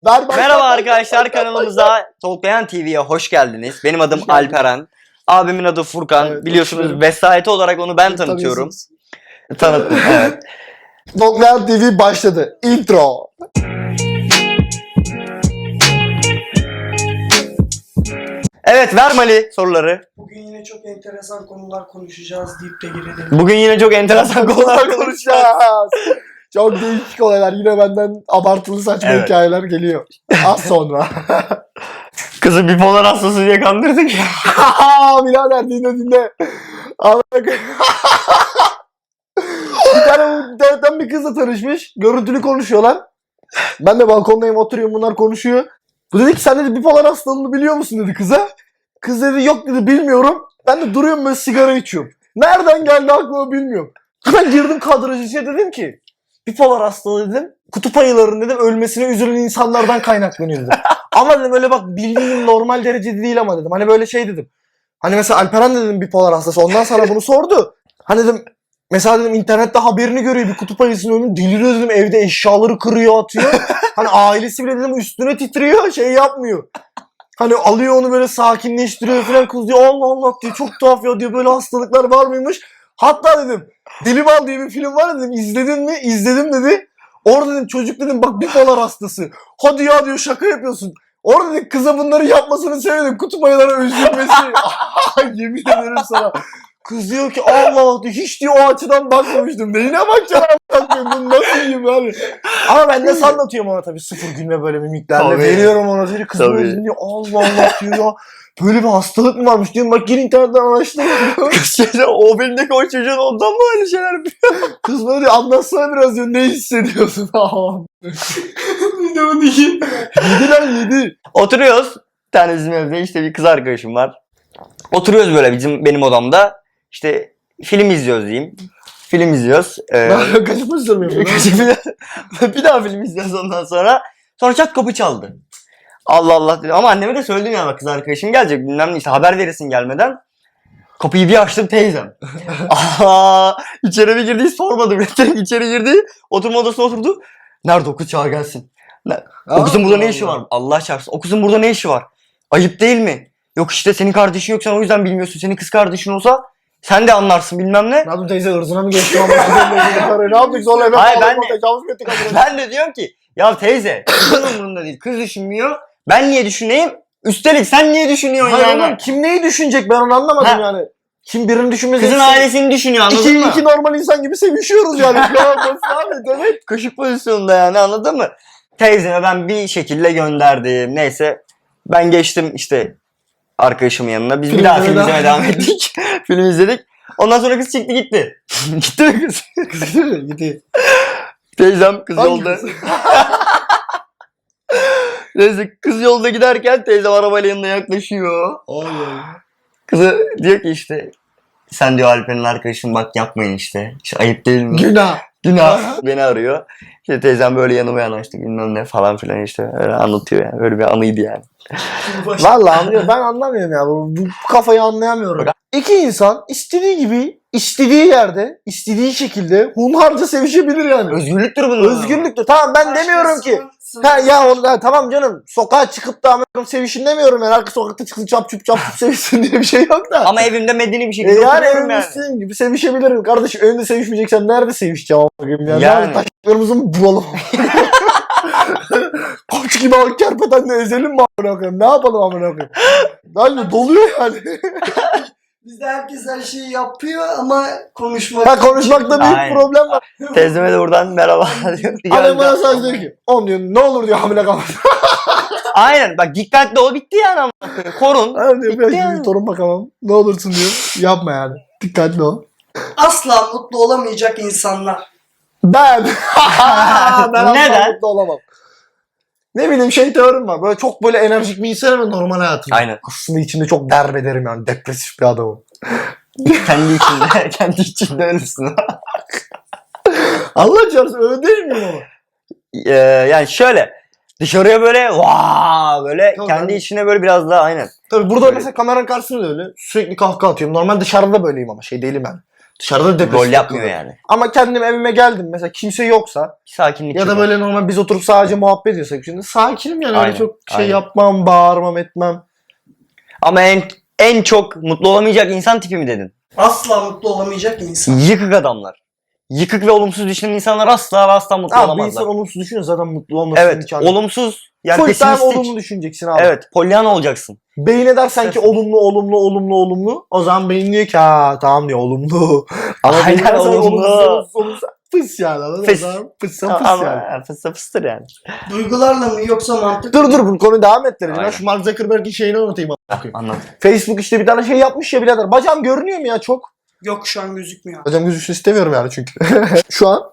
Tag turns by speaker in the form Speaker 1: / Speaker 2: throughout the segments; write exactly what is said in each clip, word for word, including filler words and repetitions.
Speaker 1: Ver, ver,
Speaker 2: Merhaba
Speaker 1: ver,
Speaker 2: arkadaşlar,
Speaker 1: ver,
Speaker 2: kanalımıza Talklayan T V'ye hoş geldiniz. Benim adım
Speaker 1: Hoş geldiniz.
Speaker 2: Alperen. Abimin adı Furkan.
Speaker 1: Evet,
Speaker 2: Biliyorsunuz
Speaker 1: hoş
Speaker 2: vesayeti olarak onu ben
Speaker 1: Siz
Speaker 2: tanıtıyorum.
Speaker 1: tanıyorsunuz.
Speaker 2: Tanıttım, evet.
Speaker 1: Talklayan T V başladı. Intro.
Speaker 2: Evet, ver Mali soruları.
Speaker 3: Bugün yine çok enteresan konular konuşacağız deyip de girelim.
Speaker 2: Bugün yine çok enteresan konular konuşacağız.
Speaker 1: konuşacağız. Çok değişik olaylar. Yine benden abartılı saçma
Speaker 2: Evet.
Speaker 1: hikayeler geliyor. Az sonra.
Speaker 2: Kızı bipolar hastası diye kandırdık ya.
Speaker 1: Birader dinle dinle. Amına koyayım. Bir tane bu internetten bir kızla tanışmış. Görüntülü konuşuyorlar. Ben de balkondayım, oturuyorum, bunlar konuşuyor. Bu dedi ki sen dedi bipolar hastalığını biliyor musun dedi kıza. Kız dedi yok dedi bilmiyorum. Ben de duruyorum böyle sigara içiyorum. Nereden geldi aklıma bilmiyorum. Ben girdim kadrajı içine dedim ki bipolar hastalığı dedim. Kutup ayılarının dedim ölmesine üzülen insanlardan kaynaklanıyor dedim. Ama dedim öyle bak bildiğin normal derecede değil ama dedim. Hani böyle şey dedim. Hani mesela Alperen de dedim bipolar hastası. Ondan sonra bunu sordu. Hani dedim mesela dedim internette haberini görüyor bir kutup ayısının önünde deliriyor dedim evde eşyaları kırıyor atıyor. Hani ailesi bile dedim üstüne titriyor şey yapmıyor. Hani alıyor onu böyle sakinleştiriyor falan kız diyor Allah Allah diyor çok tuhaf ya diyor böyle hastalıklar var mıymış. Hatta dedim Delimal diye bir film var dedim izledin mi? İzledim dedi. Orada dedim çocuk dedim bak bipolar hastası. Hadi ya diyor şaka yapıyorsun. Orada dedim kıza bunları yapmasını söyledim kutup ayılara üzülmesi. Yemin ederim sana. Kız diyor ki Allah diyor hiç diyor o açıdan bakmamıştım. Neyine bakacaksın a**ım bunu nasıl yiyeyim yani. Ama ben nasıl anlatıyorum ona tabii sıfır gülme böyle mimiklerle.
Speaker 2: Tabii.
Speaker 1: Veriyorum ona diyor kız
Speaker 2: Tabii.
Speaker 1: böyle diyor Allah Allah diyor ya. Böyle bir hastalık mı varmış diyorum bak gir internetten araştır.
Speaker 2: Kız o filmdeki o çocuğun ondan mı öyle şeyler yapıyor?
Speaker 1: Kız böyle diyor anlatsana biraz diyor ne hissediyorsun? Bir de bunu yedi. Yedi lan yedi.
Speaker 2: Oturuyoruz. Bir tane bizim evde işte bir kız arkadaşım var. Oturuyoruz böyle bizim benim odamda. İşte film izliyoruz diyeyim. Film izliyoruz. Ee,
Speaker 1: Ben kaçıp üzülmüyorum.
Speaker 2: bir daha film izliyoruz ondan sonra. Sonra çat kapı çaldı. Allah Allah dedim. Ama anneme de söyledim ya bak kız arkadaşım gelecek bilmem ne işte haber verirsin gelmeden. Kapıyı bir açtım teyzem. Aa, içeri bir girdi hiç sormadım. Direkt içeri girdi. Oturma odasına oturdu. Nerede o kız çağır gelsin. Ne? O kızın burada ne işi var? Allah çarpsın. O kızın burada ne işi var? Ayıp değil mi? Yok işte senin kardeşin yok sen o yüzden bilmiyorsun. Senin kız kardeşin olsa sen de anlarsın bilmem ne.
Speaker 1: Ne yaptın teyze ırzına mı geçti ama? Ne yaptık zorla eve
Speaker 2: Hayır,
Speaker 1: bağlamak,
Speaker 2: ben de-
Speaker 1: tecavüz mü ettik adına?
Speaker 2: Ben de diyorum ki ya teyze kızın umurunda değil. Kız düşünmüyor. Ben niye düşüneyim? Üstelik sen niye düşünüyorsun
Speaker 1: Hayır
Speaker 2: yani?
Speaker 1: oğlum kim neyi düşünecek ben onu anlamadım
Speaker 2: Ha.
Speaker 1: yani. Kim birini düşünmesi.
Speaker 2: Kızın ailesini düşünüyor anladın
Speaker 1: İki,
Speaker 2: mı?
Speaker 1: iki normal insan gibi sevişiyoruz yani. Ne yapmasın abi evet.
Speaker 2: Kaşık pozisyonunda yani anladın mı? Teyzeme ben bir şekilde gönderdim. Neyse ben geçtim işte arkadaşımın yanına. Biz
Speaker 1: Film
Speaker 2: bir daha
Speaker 1: izlemeye
Speaker 2: film izlemeye
Speaker 1: devam
Speaker 2: devam ettik. Film izledik. Ondan sonra kız çıktı gitti. Gitti mi kız?
Speaker 1: Gidiyor.
Speaker 2: Teyzem kız
Speaker 1: Hangi
Speaker 2: yolda.
Speaker 1: kız?
Speaker 2: Neyse kız yolda giderken teyzem arabayla yanına yaklaşıyor. Kızı diyor ki işte sen diyor Alper'in arkadaşın bak yapmayın işte. İşte ayıp değil mi?
Speaker 1: Günah.
Speaker 2: Günah. Beni arıyor. İşte teyzem böyle yanıma yanaştı bilmem ne falan filan işte öyle anlatıyor yani. Öyle bir anıydı yani.
Speaker 1: Vallahi anlıyorum. Ben anlamıyorum ya. Bu, bu kafayı anlayamıyorum. İki insan istediği gibi, istediği yerde, istediği şekilde hunharca sevişebilir yani.
Speaker 2: Özgürlüktür bunun.
Speaker 1: Özgürlüktür. Tamam ben demiyorum ki. Ha ya onu ha, tamam canım sokağa çıkıp da amına sevişin demiyorum yani. Arka sokakta çıksın çap çup çap çup sevişsin diye bir şey yok da.
Speaker 2: Ama evimde medeni bir
Speaker 1: E
Speaker 2: şekilde
Speaker 1: yani
Speaker 2: oturuyorum
Speaker 1: evimde
Speaker 2: yani.
Speaker 1: istediğim gibi sevişebilirim. Kardeşim evinde sevişmeyeceksen nerede sevişeceğim amına yani.
Speaker 2: Yani.
Speaker 1: yani. Taşlarımızı mı bulalım? Koç gibi al kerpetenle ezelim mi amına koyayım? Ne yapalım amına koyayım? Yani doluyor yani.
Speaker 3: Bizde herkes her şeyi yapıyor ama konuşmak...
Speaker 1: Ha konuşmakta büyük
Speaker 2: Aynen.
Speaker 1: problem var.
Speaker 2: Teyzeme de buradan merhaba diyor.
Speaker 1: Annem bana sadece diyor ki on diyor ne olur diyor hamile kalma.
Speaker 2: Aynen bak dikkatli ol bitti yani ama. Korun.
Speaker 1: Annem diyor
Speaker 2: Bitti
Speaker 1: ben
Speaker 2: yani.
Speaker 1: şimdi torun bakamam. Ne olursun diyor. Yapma yani. Dikkatli ol.
Speaker 3: Asla mutlu olamayacak insanlar.
Speaker 1: Ben. ben asla
Speaker 2: Neden?
Speaker 1: mutlu olamam. Ne bileyim şey teorim var. Böyle çok böyle enerjik bir insan ama normal hayatım.
Speaker 2: Aynen.
Speaker 1: Aslında içinde çok derbederim yani. Depresif bir adamım.
Speaker 2: kendi içinde, kendi içinde öylesin.
Speaker 1: Allah çarpsın öyle değil miyim ama?
Speaker 2: Ee, yani şöyle dışarıya böyle vaa böyle
Speaker 1: Tabii
Speaker 2: kendi
Speaker 1: ben-
Speaker 2: içine böyle biraz daha aynen.
Speaker 1: Tabii burada
Speaker 2: Böyle.
Speaker 1: mesela kameranın karşısında da öyle. Sürekli kahkaha atıyorum. Normal dışarıda böyleyim ama şey değilim yani. Dışarıda depresif
Speaker 2: Rol yapmıyor
Speaker 1: takılıyor.
Speaker 2: yani.
Speaker 1: Ama kendim evime geldim mesela kimse yoksa
Speaker 2: Sakinlik
Speaker 1: ya da
Speaker 2: yok.
Speaker 1: böyle normal biz oturup sadece muhabbet ediyorsak şimdi sakinim yani öyle
Speaker 2: Aynen,
Speaker 1: çok şey
Speaker 2: aynen.
Speaker 1: yapmam, bağırmam, etmem.
Speaker 2: Ama en en çok mutlu olamayacak insan tipi mi dedin?
Speaker 3: Asla mutlu olamayacak insan.
Speaker 2: Yıkık adamlar. Yıkık ve olumsuz düşünen insanlar asla ve asla mutlu
Speaker 1: Abi bir
Speaker 2: olamazlar.
Speaker 1: insan olumsuz düşünüyor zaten mutlu olmasının
Speaker 2: Evet,
Speaker 1: imkanı yok.
Speaker 2: olumsuz yani
Speaker 1: Full time
Speaker 2: pesimistik.
Speaker 1: olumlu düşüneceksin abi.
Speaker 2: Evet, Pollyanna olacaksın.
Speaker 1: Beyin edersen ki
Speaker 2: Evet.
Speaker 1: olumlu olumlu olumlu olumlu o zaman beyin diyor ki ha tamam diyor olumlu. Ama
Speaker 2: Aynen,
Speaker 1: beyin edersen
Speaker 2: olumlu.
Speaker 1: olumsuz olumsuz olumsuz fıs yani. anladın mı?
Speaker 2: Fıs.
Speaker 1: O zaman Fıssa fıs
Speaker 2: Ama
Speaker 1: yani.
Speaker 2: fıstı fıstır yani.
Speaker 3: Duygularla mı yoksa mantık
Speaker 1: Dur dur bu konuyu devam ettireceğim. Ben
Speaker 2: Aynen.
Speaker 1: şu Mark Zuckerberg'in şeyini anlatayım. a**ım.
Speaker 2: Anlat.
Speaker 1: Facebook işte bir tane şey yapmış ya birader. Bacağım görünüyor mu ya çok?
Speaker 3: Yok şu an gözükmüyor.
Speaker 1: Bacağım gözüksün istemiyorum yani çünkü. Şu an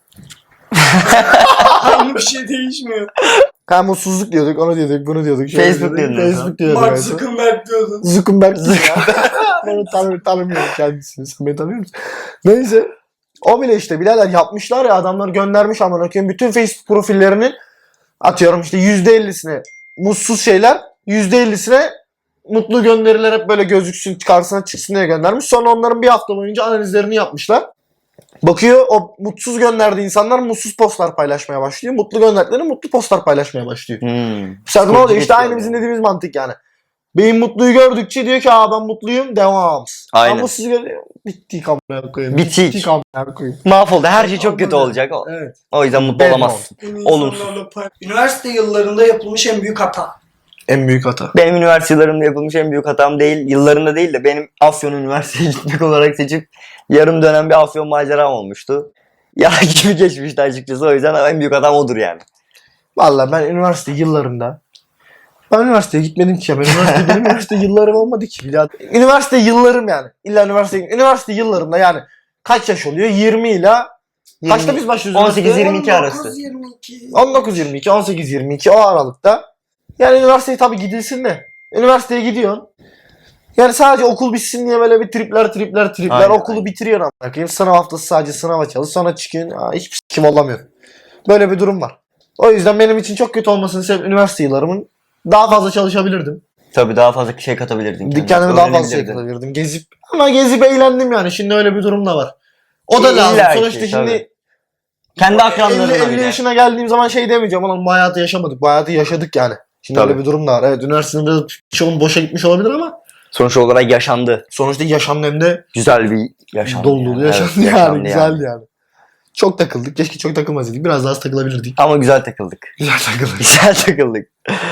Speaker 3: Aynı bir şey değişmiyor.
Speaker 1: ha mutsuzluk diyorduk, onu diyorduk, bunu diyorduk. şöyle
Speaker 2: Facebook
Speaker 1: diyorduk,
Speaker 2: diyordun
Speaker 1: Facebook diyorduk.
Speaker 3: Mark
Speaker 1: en son.
Speaker 3: Zuckerberg diyordun.
Speaker 1: Zuckerberg kim ya? Ben onu tanı tanımıyorum kendisini. Sen beni tanıyor musun? Neyse. O bile işte birader yapmışlar ya adamlar göndermiş amına koyayım bütün Facebook profillerinin atıyorum işte yüzde ellisine mutsuz şeyler, yüzde ellisine mutlu gönderiler hep böyle gözüksün karşısına çıksın diye göndermiş. Sonra onların bir hafta boyunca analizlerini yapmışlar. Bakıyor o mutsuz gönderdiği insanlar mutsuz postlar paylaşmaya başlıyor. Mutlu gönderdikleri mutlu postlar paylaşmaya başlıyor.
Speaker 2: Hmm.
Speaker 1: Mesela ne oluyor? İşte
Speaker 2: geçiyor
Speaker 1: aynı
Speaker 2: yani.
Speaker 1: bizim dediğimiz mantık yani. Beyin mutluyu gördükçe diyor ki aa ben mutluyum devam.
Speaker 2: Aynen.
Speaker 1: Ama mutsuz görüyor. Bittik amına koyayım.
Speaker 2: Bitik.
Speaker 1: Bittik amına koyayım.
Speaker 2: Mahvoldu. Her şey çok kötü
Speaker 1: Olmaz
Speaker 2: olacak. O,
Speaker 1: Evet.
Speaker 2: o yüzden mutlu
Speaker 1: Ben
Speaker 2: olamazsın.
Speaker 3: Bunu
Speaker 2: Olumsuz.
Speaker 3: insanlarla pay- Üniversite yıllarında yapılmış en büyük hata.
Speaker 1: En büyük hata.
Speaker 2: Benim üniversite yıllarımda yapılmış en büyük hatam değil, yıllarında değil de benim Afyon Üniversitesi'ye gitmek olarak seçip yarım dönem bir Afyon maceram olmuştu. Yalan gibi geçmişti açıkçası, o yüzden en büyük hatam odur yani.
Speaker 1: Valla ben üniversite yıllarında ben üniversiteye gitmedim ki ya. Ben üniversite, benim üniversite yıllarım olmadı ki. birader. Üniversite yıllarım yani. İlla üniversite, üniversite yıllarımda yani kaç yaş oluyor? yirmi ile kaçta biz başlıyoruz?
Speaker 2: on sekiz
Speaker 1: üniversiteye?
Speaker 2: yirmi iki arası.
Speaker 3: on dokuz yirmi iki.
Speaker 1: on dokuz yirmi iki, on sekiz yirmi iki o aralıkta. Yani üniversiteye tabii gidilsin de. Üniversiteye gidiyorsun. Yani sadece okul bitsin diye böyle bir tripler tripler tripler
Speaker 2: Aynen,
Speaker 1: okulu
Speaker 2: aynen.
Speaker 1: bitiriyorsun amına koyayım. Sınav haftası sadece sınava çalış sonra çıkıyorsun. Aa, hiçbir kim olamıyor. Böyle bir durum var. O yüzden benim için çok kötü olmasının sebebi üniversite yıllarımın daha fazla çalışabilirdim.
Speaker 2: Tabii daha fazla şey katabilirdin.
Speaker 1: Kendime daha fazla şey
Speaker 2: öğrenebilirdin.
Speaker 1: katabilirdim. Gezip ama gezip eğlendim yani. Şimdi öyle bir durum da var. O da
Speaker 2: İlla
Speaker 1: lazım.
Speaker 2: ki,
Speaker 1: Sonuçta şimdi
Speaker 2: tabii. Kendi akranlarına
Speaker 1: elli, elli
Speaker 2: bile.
Speaker 1: yaşına geldiğim zaman şey demeyeceğim. Ulan bu hayatı yaşamadık. Bu hayatı yaşadık yani. Şimdi
Speaker 2: Tabii.
Speaker 1: öyle bir durum da var. Evet üniversitenin biraz çoğun boşa gitmiş olabilir ama
Speaker 2: Sonuç olarak yaşandı.
Speaker 1: sonuçta yaşamın hem de
Speaker 2: Güzel bir yaşandı.
Speaker 1: dolu dolu
Speaker 2: yani.
Speaker 1: yaşandı
Speaker 2: Evet,
Speaker 1: yani.
Speaker 2: yaşandı
Speaker 1: Güzeldi yani. Çok takıldık. Keşke çok takılmasaydık. Biraz daha az takılabilirdik.
Speaker 2: Ama güzel takıldık.
Speaker 1: Güzel takıldık.
Speaker 2: Güzel takıldık.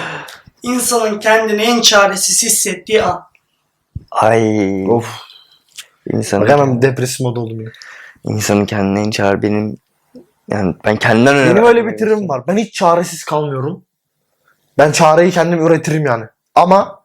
Speaker 3: İnsanın kendini en çaresiz hissettiği an.
Speaker 2: Ay.
Speaker 1: Of.
Speaker 2: İnsanın,
Speaker 1: Bak hemen depresif mod oldum ya.
Speaker 2: insanın kendine en çağır benim yani ben kendimden önemli.
Speaker 1: Benim öyle bir tırım var. Ben hiç çaresiz kalmıyorum. Ben çareyi kendim üretirim yani. Ama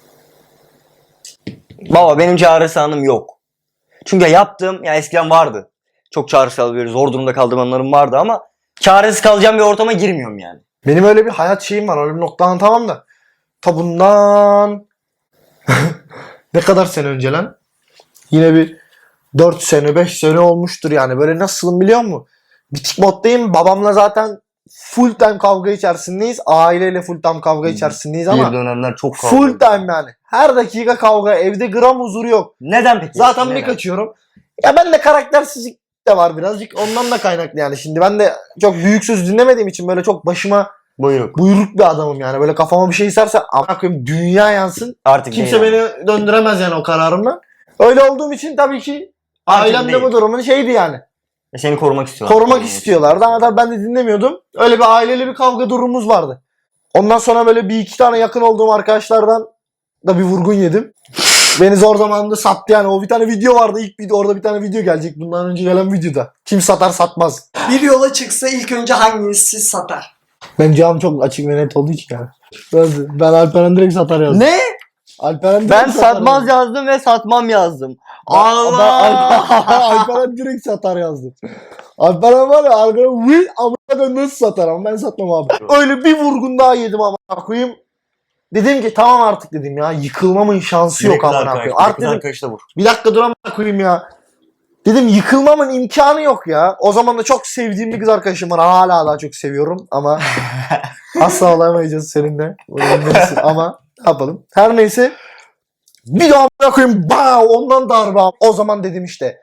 Speaker 2: Baba benim çağrısı anım yok. Çünkü yaptığım ya eskiden vardı. Çok çağrısız kalabilir, zor durumda kaldığım anlarım vardı ama çaresiz kalacağım bir ortama girmiyorum yani.
Speaker 1: benim öyle bir hayat şeyim var. Öyle bir noktadan tamam da. Ta bundan ne kadar sene önce lan? Yine bir dört sene beş sene olmuştur yani. Böyle nasılım biliyor musun? Bitik moddayım. Babamla zaten full time kavga içerisindeyiz. Aileyle full time kavga içerisindeyiz ama
Speaker 2: Bir dönemler çok kavga
Speaker 1: full
Speaker 2: ettim.
Speaker 1: time yani. Her dakika kavga. Evde gram huzuru yok.
Speaker 2: Neden peki?
Speaker 1: Zaten bir
Speaker 2: Neden?
Speaker 1: kaçıyorum. Ya ben de karaktersizlik de var birazcık. Ondan da kaynaklı yani. Şimdi ben de çok büyük söz dinlemediğim için böyle çok başıma
Speaker 2: Buyruk.
Speaker 1: buyruk bir adamım yani. Böyle kafama bir şey isterse amına koyayım dünya yansın.
Speaker 2: Artık
Speaker 1: Kimse
Speaker 2: değil
Speaker 1: beni
Speaker 2: ama.
Speaker 1: döndüremez yani o kararımdan. Öyle olduğum için tabii ki
Speaker 2: Artık
Speaker 1: ailem de
Speaker 2: değil.
Speaker 1: bu durumun şeydi yani.
Speaker 2: Seni korumak istiyorlar.
Speaker 1: Korumak istiyorlardı ama tabii ben de dinlemiyordum. Öyle bir aileli bir kavga durumumuz vardı. Ondan sonra böyle bir iki tane yakın olduğum arkadaşlardan da bir vurgun yedim. Beni zor zamanında sattı yani. O bir tane video vardı. İlk video orada bir tane video gelecek. Bundan önce gelen videoda. Kim satar satmaz.
Speaker 3: Bir yola çıksa ilk önce hangisi satar?
Speaker 1: Ben cevabım çok açık ve net olduğu için yani. Ben, ben Alperen direkt satar yazdım.
Speaker 2: Ne?
Speaker 1: Alperen direkt
Speaker 2: Ben
Speaker 1: satar
Speaker 2: satmaz
Speaker 1: yazdım.
Speaker 2: yazdım ve satmam yazdım.
Speaker 1: Ben-
Speaker 2: Allah!
Speaker 1: ben Alperen, Alperen direkt satar yazdım. Alperen var ya Alperen will amına nasıl satar ama ben satmam abi. Öyle bir vurgun daha yedim amına koyayım. Dedim ki tamam artık dedim ya yıkılmamın şansı yok amına koyayım. Artık dedim
Speaker 2: arkadaş da vur.
Speaker 1: bir dakika dur amına koyayım ya. Dedim yıkılmamın imkanı yok ya. O zaman da çok sevdiğim bir kız arkadaşım var. Hala daha çok seviyorum ama asla olamayacağız seninle. Bunu bilmelisin ama ne yapalım. Her neyse bir daha amına koyayım. Bah, ondan darbe. O zaman dedim işte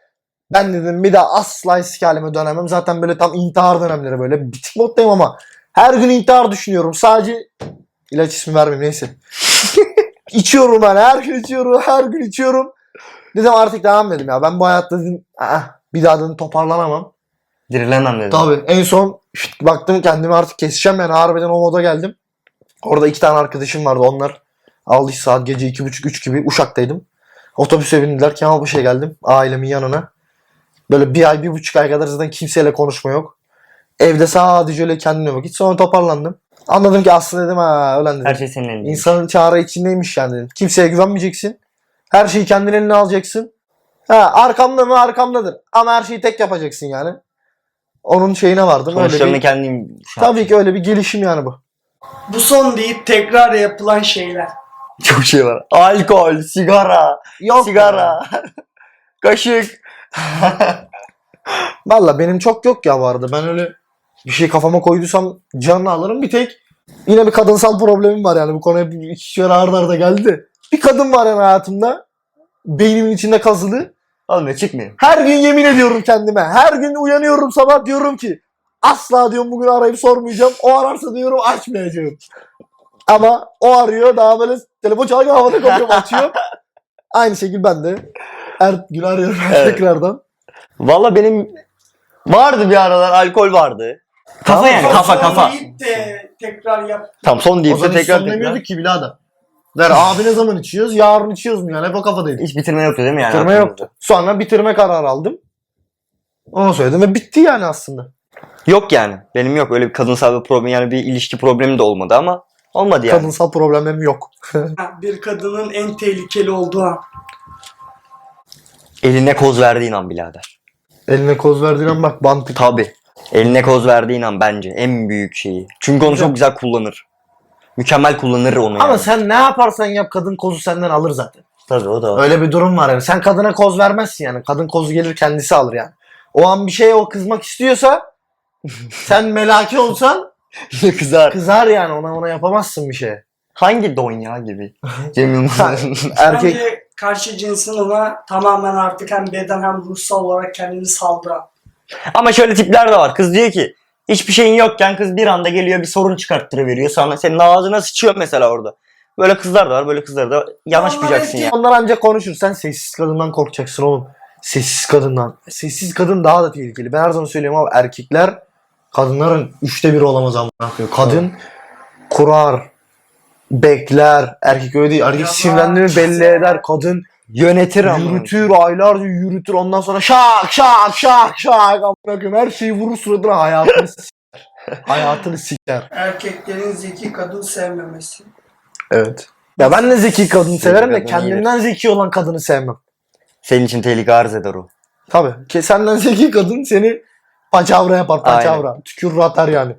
Speaker 1: Ben dedim bir daha asla eski halime dönemem. Zaten böyle tam intihar dönemleri böyle. Bitik moddayım ama her gün intihar düşünüyorum. Sadece ilaç ismi vermeyeyim neyse. İçiyorum ben. Her gün içiyorum. Her gün içiyorum. Dedim artık devam dedim ya. Ben bu hayatta dedim "Aa, bir daha dedim toparlanamam."
Speaker 2: Dirilemem dedim.
Speaker 1: Tabii en son şut, baktım kendimi artık keseceğim yani harbiden o moda geldim. Orada iki tane arkadaşım vardı onlar. Aldı işte saat gece iki buçuk üç gibi Uşak'taydım. Otobüse bindiler Kemalpaşa'ya geldim ailemin yanına. Böyle bir ay bir buçuk ay kadar zaten kimseyle konuşma yok. Evde sadece öyle kendime vakit sonra toparlandım. Anladım ki aslında dedim ha ölen dedim.
Speaker 2: Her şey senin elinde.
Speaker 1: İnsanın çare içindeymiş yani dedim. Kimseye güvenmeyeceksin. Her şeyi kendin eline alacaksın. Ha arkamda mı arkamdadır. Ama her şeyi tek yapacaksın yani. Onun şeyine vardım. Öyle
Speaker 2: Sonuçlarını
Speaker 1: bir,
Speaker 2: kendim...
Speaker 1: tabii ki öyle bir gelişim yani bu.
Speaker 3: Bu son deyip tekrar yapılan şeyler.
Speaker 2: Çok şey var. Alkol, sigara,
Speaker 1: Yok
Speaker 2: sigara, kaşık.
Speaker 1: Valla benim çok yok ya bu arada. Ben öyle bir şey kafama koyduysam canını alırım. Bir tek yine bir kadınsal problemim var yani. Bu konuya bir iki kere arda arda geldi. Bir kadın var yani hayatımda. Beynimin içinde kazılı.
Speaker 2: Olmuyor çıkmıyor.
Speaker 1: Her gün yemin ediyorum kendime. Her gün uyanıyorum sabah diyorum ki asla diyorum bugün arayıp sormayacağım. O ararsa diyorum açmayacağım. Ama o arıyor daha böyle telefon çalarken havada kapıyorum açıyor. Aynı şekilde ben de her gün arıyorum
Speaker 2: Evet.
Speaker 1: tekrardan.
Speaker 2: Valla benim vardı bir aralar alkol vardı. Kafa
Speaker 1: Tamam,
Speaker 2: yani
Speaker 1: son-
Speaker 2: kafa
Speaker 3: Son
Speaker 2: kafa.
Speaker 3: deyip de tekrar yap.
Speaker 2: Tam son
Speaker 1: O
Speaker 2: deyip de
Speaker 1: zaman hiç
Speaker 2: tekrar
Speaker 1: son
Speaker 2: tekrar.
Speaker 1: demiyorduk ki birader. Der abi ne zaman içiyoruz? Yarın içiyoruz mu yani? Hep o kafadaydık.
Speaker 2: Hiç bitirme yoktu değil mi yani?
Speaker 1: Bitirme
Speaker 2: aklımızda?
Speaker 1: yoktu. Sonra bitirme kararı aldım. Onu söyledim ve bitti yani aslında.
Speaker 2: Yok yani. Benim yok öyle bir kadınsal bir problem yani bir ilişki problemi de olmadı ama olmadı yani.
Speaker 1: Kadınsal problemlerim yok.
Speaker 3: Ha, bir kadının en tehlikeli olduğu an.
Speaker 2: Eline koz verdiğin an birader.
Speaker 1: Eline koz verdiğin an bak bantık.
Speaker 2: Tabi. Eline koz verdiğin an bence en büyük şeyi. Çünkü onu
Speaker 1: Güzel.
Speaker 2: çok güzel kullanır. Mükemmel kullanır onu yani.
Speaker 1: Ama sen ne yaparsan yap kadın kozu senden alır zaten.
Speaker 2: Tabii o da var.
Speaker 1: Öyle bir durum var yani. Sen kadına koz vermezsin yani. Kadın kozu gelir kendisi alır yani. O an bir şeye o kızmak istiyorsa sen melaki olsan
Speaker 2: Kızar.
Speaker 1: kızar yani. Ona ona yapamazsın bir şey.
Speaker 2: Hangi don ya gibi. Cem Yılmaz'ın.
Speaker 1: Erkek
Speaker 3: Bence karşı cinsin ona tamamen artık hem beden hem ruhsal olarak kendini saldı.
Speaker 2: Ama şöyle tipler de var. Kız diyor ki hiçbir şeyin yokken kız bir anda geliyor bir sorun çıkarttırıveriyor. Sonra senin ağzına sıçıyor mesela orada. Böyle kızlar da var. Böyle kızları da yanaşmayacaksın
Speaker 3: Onlar
Speaker 2: ya.
Speaker 1: onlar ancak konuşur. Sen sessiz kadından korkacaksın oğlum. Sessiz kadından. Sessiz kadın daha da tehlikeli. Ben her zaman söylüyorum abi erkekler kadınların üçte biri olamaz ama. Kadın kurar, bekler. Erkek öyle değil. Erkek
Speaker 3: Yapar,
Speaker 1: sinirlendiğini belli
Speaker 3: çizer.
Speaker 1: eder. Kadın
Speaker 2: Yönetir ama.
Speaker 1: yürütür, aylarca yürütür. Ondan sonra şak şak şak şak. Amına koyayım. Her şeyi vurur suratına hayatını siker. Hayatını siker.
Speaker 3: Erkeklerin zeki kadın sevmemesi.
Speaker 1: Evet. Ya ben de zeki kadın
Speaker 2: Zeki
Speaker 1: severim de
Speaker 2: kadın
Speaker 1: kendimden zeki olan kadını sevmem.
Speaker 2: Senin için tehlike arz eder o.
Speaker 1: Tabii. Ki senden zeki kadın seni paçavra yapar paçavra. Tükürür atar yani.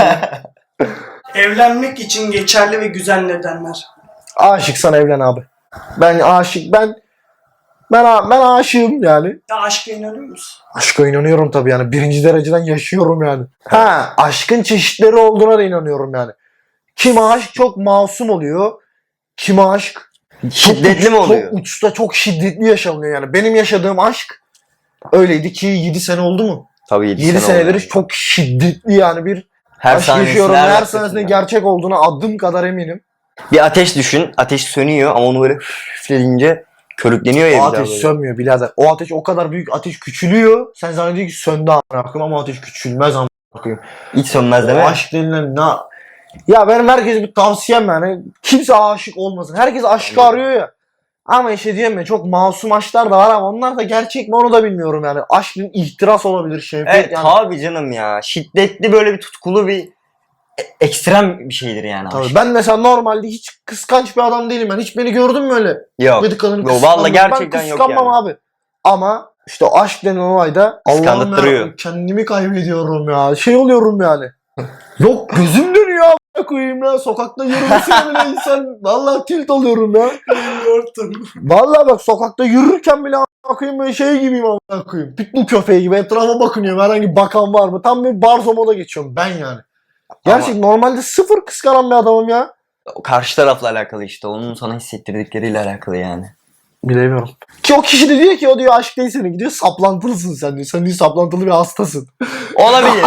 Speaker 3: Evlenmek için geçerli ve güzel nedenler.
Speaker 1: Aşıksan evlen abi. Ben aşık ben ben ben aşığım yani.
Speaker 3: Ya aşka inanıyor musun?
Speaker 1: Aşka inanıyorum tabii yani. Birinci dereceden yaşıyorum yani. Ha, aşkın çeşitleri olduğuna da inanıyorum yani. Kim aşk çok masum oluyor. Kim aşk
Speaker 2: Şiddetli mi
Speaker 1: çok,
Speaker 2: oluyor?
Speaker 1: Çok uçta çok şiddetli yaşanıyor yani. Benim yaşadığım aşk öyleydi ki yedi sene oldu mu?
Speaker 2: Tabii yedi,
Speaker 1: yedi
Speaker 2: sene
Speaker 1: senedir
Speaker 2: oldu.
Speaker 1: çok şiddetli yani bir
Speaker 2: her
Speaker 1: aşk
Speaker 2: sahnesinde,
Speaker 1: yaşıyorum. Her
Speaker 2: dakikasında.
Speaker 1: sahnesinde gerçek olduğuna adım kadar eminim.
Speaker 2: Bir ateş düşün. Ateş sönüyor ama onu böyle üfleyince körükleniyor ya.
Speaker 1: O
Speaker 2: bir daha
Speaker 1: ateş
Speaker 2: böyle.
Speaker 1: sönmüyor birader. O ateş o kadar büyük ateş küçülüyor. Sen zannediyorsun ki söndü amına koyayım ama ateş küçülmez amına koyayım.
Speaker 2: Hiç sönmez
Speaker 1: O
Speaker 2: değil mi?
Speaker 1: aşk denilen ne? Ya benim herkese bir tavsiyem yani. Kimse aşık olmasın. Herkes aşkı
Speaker 2: Anladım.
Speaker 1: arıyor ya. Ama işte diyorum ya çok masum aşklar da var ama onlar da gerçek mi onu da bilmiyorum yani. Aşkın ihtiras olabilir, şefkat
Speaker 2: Evet
Speaker 1: yani.
Speaker 2: tabii canım ya. Şiddetli böyle bir tutkulu bir e- ekstrem bir şeydir yani.
Speaker 1: Tabii.
Speaker 2: aşk.
Speaker 1: Ben mesela normalde hiç kıskanç bir adam değilim. Ben hiç beni gördün mü öyle?
Speaker 2: Yok.
Speaker 1: Gıdık kadını
Speaker 2: Yok,
Speaker 1: kıskanmam.
Speaker 2: vallahi gerçekten
Speaker 1: ben
Speaker 2: yok
Speaker 1: kıskanmam
Speaker 2: yani.
Speaker 1: abi. Ama işte o aşk denen olayda Allah'ım
Speaker 2: Kıskandırtırıyor.
Speaker 1: ya kendimi kaybediyorum ya. Şey oluyorum yani. Yok gözüm dönüyor a**a koyayım ya. Sokakta yürümesine bile insan vallahi tilt oluyorum ya.
Speaker 3: Bilmiyordum.
Speaker 1: Vallahi bak sokakta yürürken bile a**a koyayım böyle şey gibiyim a**a koyayım. Pitbull köpeği gibi etrafa bakınıyorum. Herhangi bir bakan var mı? Tam bir barzo moda geçiyorum ben yani. Gerçek normalde sıfır kıskanan bir adamım ya.
Speaker 2: O karşı tarafla alakalı işte. Onun sana hissettirdikleriyle alakalı yani.
Speaker 1: Bilemiyorum. Ki o kişi de diyor ki o diyor aşk değil senin gidiyor saplantılısın sen diyor. Sen diyor saplantılı bir hastasın.
Speaker 2: Olabilir.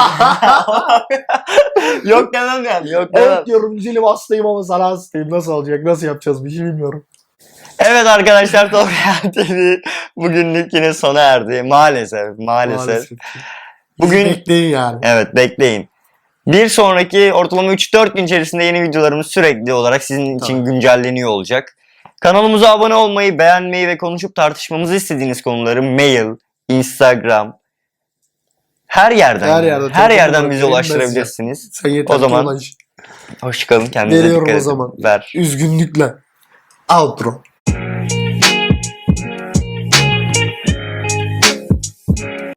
Speaker 2: Yok demem yani. Yok demem.
Speaker 1: Evet diyorum güzelim hastayım ama sana hastayım. Nasıl olacak? Nasıl yapacağız bir şey bilmiyorum.
Speaker 2: Evet arkadaşlar Top Real T V bugünlük yine sona erdi. Maalesef. Maalesef. Bugün
Speaker 1: bekleyin yani.
Speaker 2: evet bekleyin. Bir sonraki ortalama üç dört gün içerisinde yeni videolarımız sürekli olarak sizin için
Speaker 1: Tamam.
Speaker 2: güncelleniyor olacak. Kanalımıza abone olmayı, beğenmeyi ve konuşup tartışmamızı istediğiniz konuları mail, Instagram, her yerden
Speaker 1: Her yerden,
Speaker 2: her
Speaker 1: telefon
Speaker 2: yerden
Speaker 1: olarak
Speaker 2: bize
Speaker 1: yayın
Speaker 2: ulaştırabilirsiniz.
Speaker 1: Sen yeter
Speaker 2: O zaman-
Speaker 1: ki ulaş.
Speaker 2: Hoşçakalın, kendinize
Speaker 1: Veriyorum
Speaker 2: dikkat
Speaker 1: o
Speaker 2: edin.
Speaker 1: zaman.
Speaker 2: Ver.
Speaker 1: Üzgünlükle. Outro.